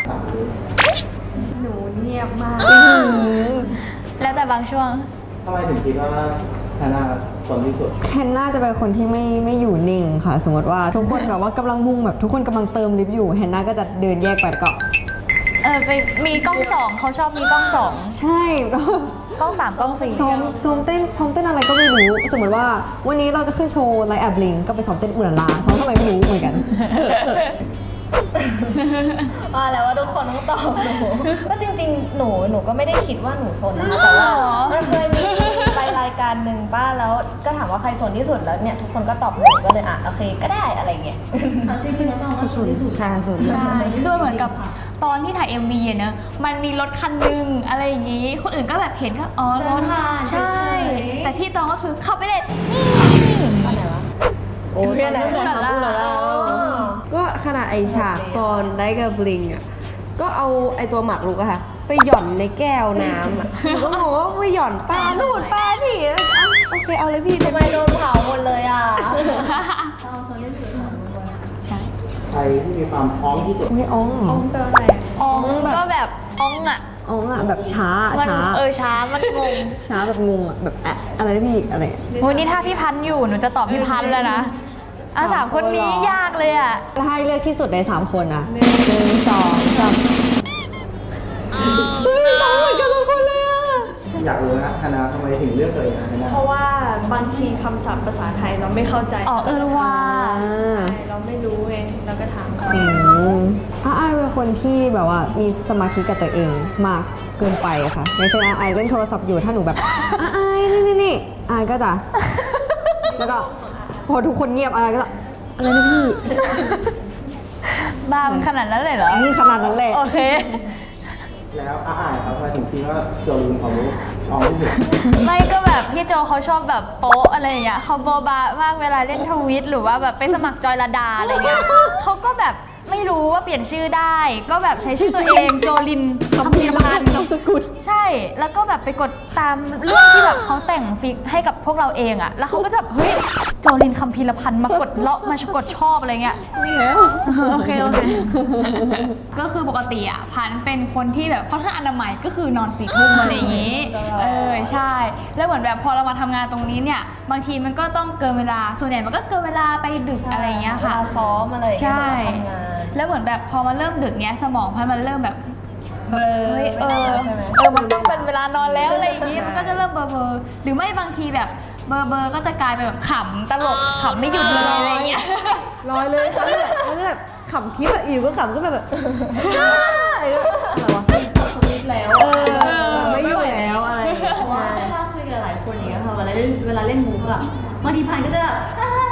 หนูเงียบมากแล้วแต่บางช่วงทำไมถึงคิดว่าฮาน่าสนที่สุดแคนน่าจะเป็นคนที่ไม่อยู่นิ่งค่ะ สมมติว่าทุกคนแบบว่ากำลังมุ่งแบบทุกคนกำลังเติมลิฟต์อยู่แฮนน่าก็จะเดินแยกไปแล้วก็ไปมีกล้องสองเขาชอบมีกล้องสองใช่แล้วกล้องสามกล้องสี่ซ้อมเต้นอะไรก็ไม่รู้ สมมติว่าวันนี้เราจะขึ้นโชว์ไลฟ์แอบบลิงก็ไปซ้อมเต้นอุลาลาซ้อมทำไมไม่รู้เหมือนกันว่าแล้วว่าทุกคนต้องตอบหนูก็จริงๆ หนูก็ไม่ได้คิดว่าหนูซนนะคะแต่ว่ามันเคยมีไปรายการหนึ่งป้าแล้วก็ถามว่าใครซนที่สุดแล้วเนี่ยทุกคนก็ตอบหนูก็เลยโอเคก็ได้อะไรเงี้ยจริงๆแล้วน้องก็ซนที่สุดใช่ส่วนใช่คือเหมือนกับตอนที่ถ่าย MV อะเนอะมันมีรถคันหนึงอะไรอย่างงี้ คนอื่นก็แบบเห็นก็อ๋อรถใช่ แต่พี่ตองก็คือเข้าไปเลยนี่โอ้ยตั้งแต่ทำอุลาลาก็ขนาดไอฉากตอนไลฟ์กับบลิงอ่ะก็เอาไอตัวหมากรุกอะค่ะไปหย่อนในแก้วน้ำอะหนูก็งงว่าไปหย่อนปลานู่นปลานี่โอเคเอาเลยพี่ทำไมโดนเผาหมดเลยอ่ะใครที่มีความพร้อมที่สุดไม่อ้องเหรออ๋องก็แบบอ๋องอะอ้องอะแบบช้ามันช้าช้ามันงงช้าแบบงงอะแบบอะไรนะพี่อะไรวันนี้ถ้าพี่พันธุ์อยู่หนูจะตอบพี่พันธุ์แล้วนะสามคนนี้ยากเลยอะถ้าให้เลือกที่สุดใน3คนอะ1 2 3เฮ้ยต้องเหมือนกันทุกคนเลยอะอยากรู้นะฮาน่าทำไมถึงเลือกตัวเองฮาน่าเพราะว่าบางทีคำศัพท์ภาษาไทยเราไม่เข้าใจว่าเราไม่รู้ไงเราก็ถามเขาไอายเป็นคนที่แบบว่ามีสมาธิกับตัวเองมากเกินไปค่ะอย่างเช่นไอายเล่นโทรศัพท์อยู่ถ้าหนูแบบไอายนี่ไอายก็จะแล้วก็พอทุกคนเงียบไอายก็จะอะไรนะพี่บ้ามันขนาดนั้นเลยเหรอนี่ขนาดนั้นแหละโอเคแล้วอ้ายครับทำไมถึงคิดว่าโจลินความรู้พร้อมที่สุดไม่ก็แบบพี่โจเขาชอบแบบโป๊ะอะไรอย่างเงี้ยเขาโบบามากเวลาเล่นทวิตหรือว่าแบบไปสมัครจอยระดาอะไรเงี้ยเขาก็แบบไม่รู้ว่าเปลี่ยนชื่อได้ ก็แบบใช้ชื่อตัวเองโจลินคำพีรพันธ์นามสกุลใช่แล้วก็แบบไปกดตามเรื่องที่แบบเขาแต่งฟิกให้กับพวกเราเองอะแล้วเขาก็จะแบบเฮ้ยโจลินคำพีรพันธ์มากดเลาะมากดชอบอะไรเงี้ย โอเค ก็คือปกติอ่ะพันธุ์เป็นคนที่แบบค่อนข้างอนามัยก็คือนอน4 ทุ่มอะไรอย่างงี้ ใช่ แล้วเหมือนแบบพอเรามาทำงานตรงนี้เนี่ยบางทีมันก็ต้องเกินเวลาส่วนใหญ่มันก็เกินเวลาไปดึกอะไรอย่างเงี้ยค่ะซ้อมอะไรอย่างเงี้ยใช่ทำงานแล้วเหมือนแบบพอมันเริ่มดึกเนี้ยสมองพันธุ์มันเริ่มแบบเบลอเฮ้ยมันต้องเป็นเวลานอนแล้วอะไรอย่างงี้มันก็จะเริ่มเบลอๆหรือไม่บางทีแบบเบลอๆก็จะกลายเป็นแบบขำตลกขำไม่หยุดเลยอะไรอย่างเงี้ยลอยเลยค่ะแล้วแบบขำคิดอะอยู่ก็ขำก็แบบอะไรวะสวิตแล้วไม่อยู่แล้วอะไรเพราะว่าเวลาคุยกับหลายคนอย่างเงี้ยค่ะเวลาเล่นมุกอะบางทีพันก็จะแบบ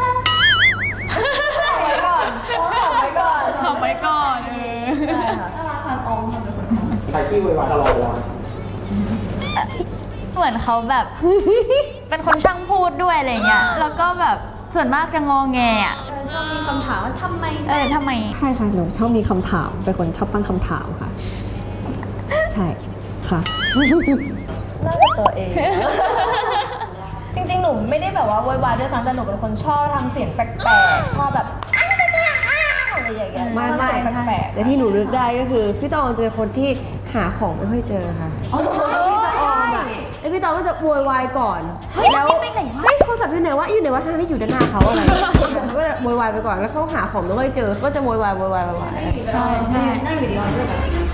ไว้ก่อนขอไว้ก่อนขำไว้ก่อนใช่ค่ะถ้ารักพันออมทำเป็นคนใครที่วายตลอดเวลาเหมือนเขาแบบ เป็นคนช่างพูดด้วยอะไรเงี้ยแล้วก็แบบส่วนมากจะงอแงอ่ะชอบมีคำถามว่าทำไมทำไมใช่ค่ะหนูชอบมีคำถามเป็นคนชอบตั้งคำถามค่ะ ใช่ค่ะน่าจะตัวเอง จริงๆ หนูไม่ได้แบบว่าโวยวายด้วยซ้ำแต่หนูเป็นคนชอบทำเสียงแปลกๆ ชอบแบบอะไรอย่างเงี้ยไม่ชอบทำเสียงแปลกๆแต่ที่หนูนึกได้ก็คือพี่ตองจะเป็นคนที่หาของไม่ค่อยเจอค่ะอ๋อใช่ไอพี่ตองก็จะโวยวายก่อนเฮ้ยนี่ไปไหนวะเฮ้ยโทรศัพท์อยู่ไหนวะอยู่ไหนวะทางนี้อยู่ด้านหน้าเขาอะไรเขาก็จะโวยวายไปก่อนแล้วเขาหาของไม่ค่อยเจอก็จะโวยวายใช่นั่งอยู่ดีๆก็แบบ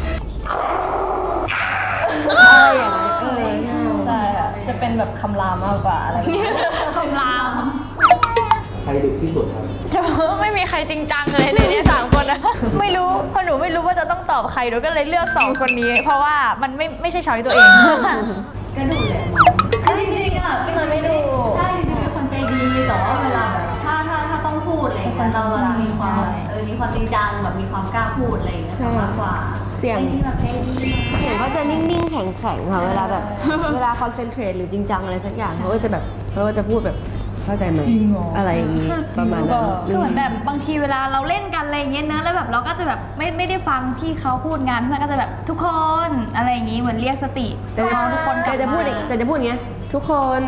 อะไรอย่างนั้นใช่ค่ะ จะเป็นแบบคำรามมากกว่าอะไรแบบนี้คำรามใครดุที่สุดครับจะไม่มีใครจริงจังเลยในนี้3 คนนะ ไม่รู้เพราะหนูไม่รู้ว่าจะต้องตอบใครหนูก็เลยเลือก2 คนนี้ เพราะว่ามันไม่ใช่ช้อยตัวเองก็ดูแหละคือจริงๆอ่ะพี่มันไม่ดูใช่จริงๆเป็นคนใจดีแต่ว่าเวลาแบบถ้าต้องพูดอะไรอย่างเงี้ยเราจะมีความมีความจริงจังแบบมีความกล้าพูดอะไรอย่างเงี้ยมากกว่าเสียงที่แบบใจดีเสียงเขาจะนิ่งๆแข็งๆค่ะเวลาแบบเวลาคอนเซนเทรตหรือจริงจังอะไรสักอย่างเขาก็จะแบบเขาก็จะพูดแบบเข้าใจไหมอะไรอย่างนี้ประมาณนั้นคือเหมือนแบบบางทีเวลาเราเล่นกันอะไรอย่างเงี้ยนะแล้วแบบเราก็จะแบบไม่ได้ฟังพี่เขาพูดงานมันก็จะแบบทุกคนอะไรอย่างงี้เหมือนเรียกสติแต่จะทุกคนกลับจะพูดมาอย่างแต่จะพูดอย่างเงี้ยทุกคน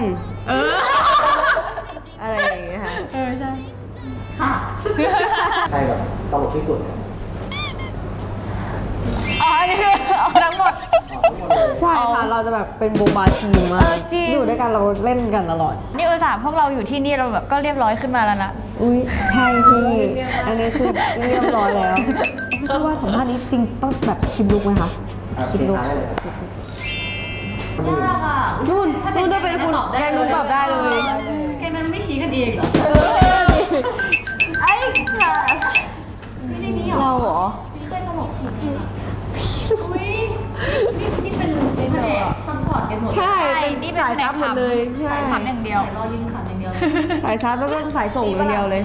อะไรอย่างเงี้ยค่ะใช่ค่ะใครแบบตลกที่สุดอันนี้คือเอาทั้งหมดใช่ค่ะ เราจะแบบเป็นโบบาทีมมาเอก อจริงอยู่ด้วยกันเราเล่นกันตลอดนี่อุตส่าห์พวกเราอยู่ที่นี่เราแบบก็เรียบร้อยขึ้นมาแล้วนะอุ้ยใช่พี่ อันนี้คือเรียบร้อยแล้วเพราะว่าสัมภาษณ์นี้จริงต้องแบบคิดลุกไหมคะคิดลุกได้เลยคนอื่นนู่นจะเป็นคุณแกนุ่นตอบได้เลยแกนั้นไม่ชี้กันเองเหรอไอ้ค่ะไม่ได้นี่หรอเราเหรอไม่เคยตลกสุดเลยอุ้ยนี่เป็นแผนกซัพพอร์ตกันหมดใช่ใช่เป็นนี่เป็นสายซับหมดเลยใช่ขำอย่างเดียวรอยิงขันอย่างเดียวสายซับแล้วก็สายส่งอย่างเดียวเลย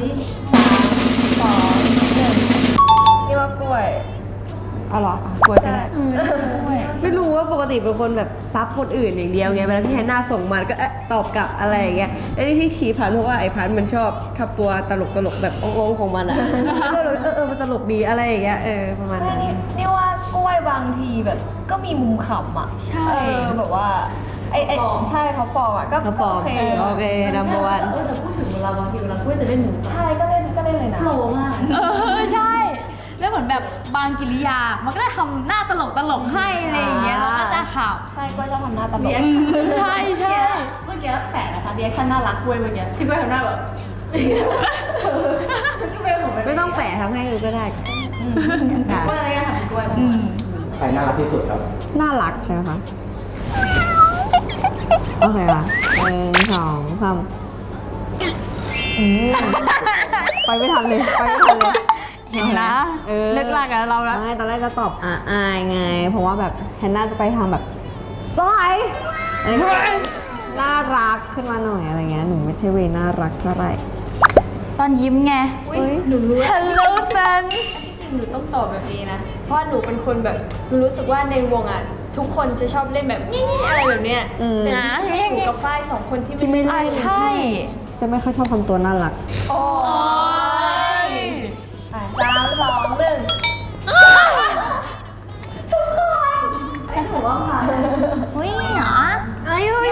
2 1นี่ว่ากล้วยอ๋อเหรออ่ะกลัวจะได้ไม่รู้ว่าปกติเป็นคนแบบซับคนอื่นอย่างเดียวไงเวลาพี่แฮนนาส่งมาก็ตอบกลับอะไรอย่างเงี้ยแล้วนี่ที่ชี้พันเพราะว่าไอ้พันมันชอบทำตัวตลกแบบองๆของมันอ่ะก็เลยมันตลกดีอะไรอย่างเงี้ยประมาณนั้นนี่ว่ากล้วยบางทีแบบก็มีมุมขำอ่ะใช่แบบว่าไอ้ใช่เขาฟอร์มอ่ะก็เขาปลอมโอโอเคเคนัมเบอร์วันแต่พูดถึงเวลาบางทีเวลากล้วยจะเล่นหมูใช่ก็เล่นเลยนะโสมากใช่ แล้วเหมือนแบบบางกิริยา มันก็จะทำหน้าตลกให้อะไรอย่างเงี้ยเราก็จะขใช่กล้วยชอบทำหน้าตลรีกแอคชั่นใช่ใช่เมื่อกี้แปลกนะคะรีแอคชั่นน่ารักกล้วยเมื่อกี้พี่กล้วยทำหน้าแบบพี่กล้วยผมไม่ต้องแปะทำให้ดูก็ได้ค่ะกล้วยอะไรกันทำเป็นกล้วยใครน่ารักที่สุดครับน่ารักใช่ไหมคะโอเคค่ะ1 2 3ไปไม่ทันเลยเห็นนะเลิกลากับเราแล้วไม่ตอนแรกจะตอบอายไง เพราะว่าแบบแฮนน่าจะไปทางแบบสวยอะไรเงี้ยน่ารักขึ้นมาหน่อยอะไรเงี้ย หนูไม่ใช่เวย์น่ารักเท่าไหร่ตอนยิ้มไงหนูรู้ Hello friend จริงหนูต้องตอบแบบนี้นะ เพราะว่าหนูเป็นคนแบบหนูรู้สึกว่าในวงอ่ะ ทุกคนจะชอบเล่นแบบงี้อะไรแบบเนี้ยอืมแต่แค่หนูกับฝ้ายสองคนที่ที่ไม่เล่นเล่นใช่จะไม่ค่อยชอบทำตัวน่ารักโอ้ยอ่ะ3 2 1 ผมว่าผ่านอุ้ยเหรอไม่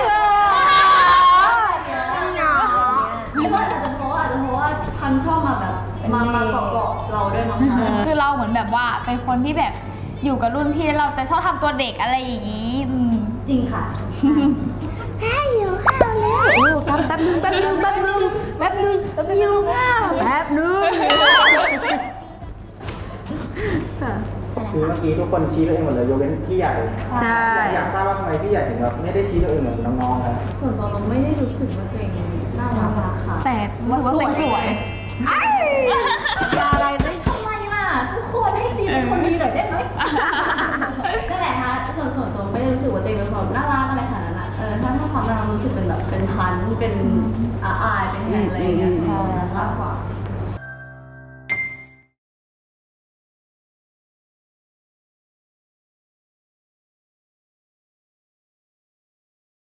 ว่าอาจจะเพราะว่าพันชอบมาแบบมาเกาะเราด้วยมั้งคะคือเราเหมือนแบบว่าเป็นคนที่แบบอยู่กับรุ่นพี่แล้วเราจะชอบทำตัวเด็กอะไรอย่างงี้จริงค่ะโอ้ครับแป๊บนึงหิวข้าวแป๊บนึงคือเมื่อกี้ทุกคนชี้ตัวเองหมดเลยยกเว้นพี่ใหญ่ใช่อยากทราบว่าทำไมพี่ใหญ่ถึงแบบไม่ได้ชี้ตัวเองเหมือนน้องๆครับส่วนตัวเราไม่ได้รู้สึกว่าตัวเองน่ารักค่ะแต่รู้สึกว่าตัวเองสวยอย่าอะไรเลยทำไมล่ะ ทุกคนให้ซีเป็นคนดีหน่อยได้ไหมก็แหละฮะส่วนไม่ได้รู้สึกว่าตัวเองเป็นคนน่ารักอะไรขนาดนั้นอะถ้าความน่ารักรู้สึกเป็นแบบเป็นพันเป็นอายเป็นอะไรอย่างเงี้ยมากกว่า